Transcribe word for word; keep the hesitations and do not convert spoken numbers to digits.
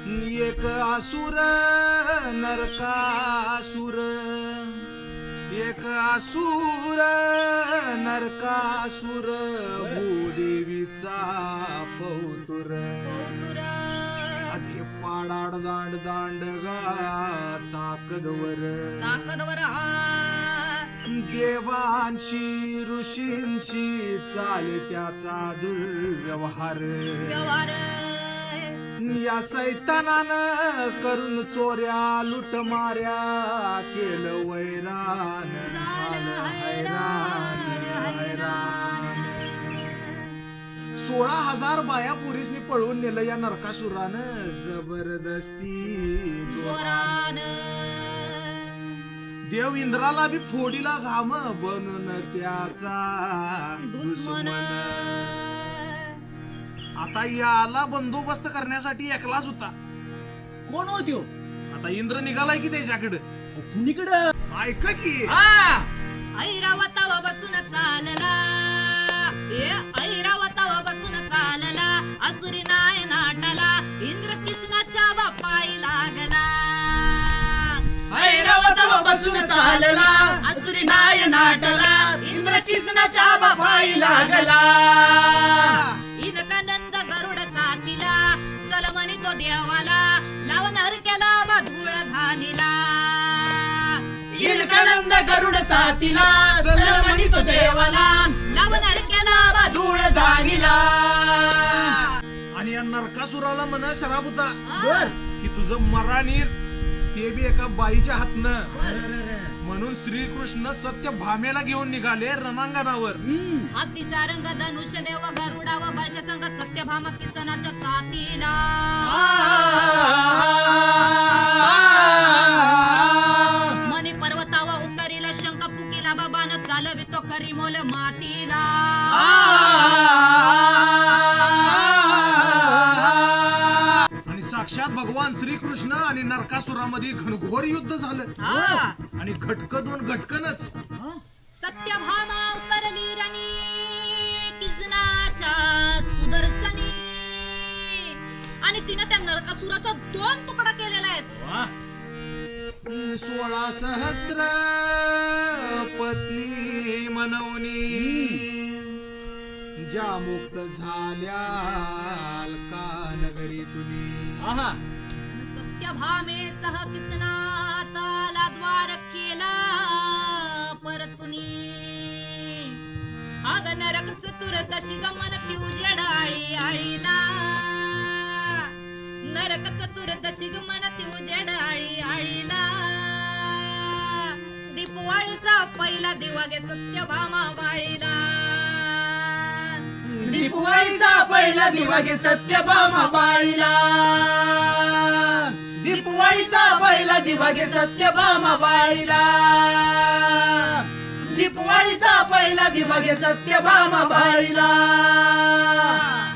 एक असुर नरकासुर, एक असुर नरकासुर, भूदेवीचा पौतुर. आधी पाडाड दांड दांडगा ताकदवर, ताकदवर देवांशी ऋषींशी चाले त्याचा दुर्व्यवहार. व्यवहार या सैतानानं करून चोऱ्या लुटमाऱ्या केलं वैरान, झालं हैरान हैरान. सोळा हजार बाया पोरीसनी पळवून नेलं या नरकासुरानं जबरदस्ती जोरान. देव इंद्राला बी फोडीला घाम बनून त्याचा दुश्मन. आता याला बंदोबस्त करण्यासाठी एकलाच होता. कोण होतो? आता इंद्र निघालाय की त्याच्याकडे. कुणीकडं? ऐका की ऐरावतावा बसून चालला, ए ऐरावतावा बसून चालला, असुरी नाय नाटला, इंद्र किसनाच्या बापाई लागला. ऐरावतावा बसून चालला, असुरी नाय नाटला, इंद्र किसनाच्या बापाई लागला. इनकानंद गरुड साथीला, चल म्हणी तो देवाला, लावणार केला बाधूळ धानीला. इनकानंद गरुड साथीला, चल म्हणी तो देवाला, लावणार केला बाधूळ धानीला. आणि या नरकासुराला म्हण शराब होता बर की तुझं मरण येईल, ते बी एका बाईच्या हातनं. म्हणून श्रीकृष्ण सत्य भामेला घेऊन निघाले रणांगणावर. हत्ती सारंग धनुष देव गरुडा व भाषा संग सत्यभामा किसनाच्या साथीला. मनी पर्वतावा उत्तरीला शंख पुकीला, बाबान चालवितो करी मोल मातीला. आणि साक्षात भगवान श्रीकृष्ण आणि नरकासुरामध्ये घनघोर युद्ध झालं. हा. आणि घटक दोन घटकनच. सत्यभामा उतरली रणी किसनाच्या सुदर्शनी, आणि तिने त्या नरकासुराचा दोन तुकडा केलेला आहे. सोळा सहस्त्र पत्नी मनवनी, ज्या मुक्त झाल्या का नगरी तुनी. सत्यभामे सह किसनाताला द्वार केला परतुनी. अग नरक चतुर तशी गमन ती उजेड आळी आळीला. नरक चतुर तशी गमन ती उजेड आळी आळीला. दीपवाळीचा पहिला दिवा गे सत्यभामा वाळीला. दीपवाळीचा पहिला दिवा गे सत्यभामा बाळीला. दीपवाळीचा पहिला दिवा गे सत्यभामा बाळीला. दीपवाळीचा पहिला दिवा गे सत्यभामा बाळीला.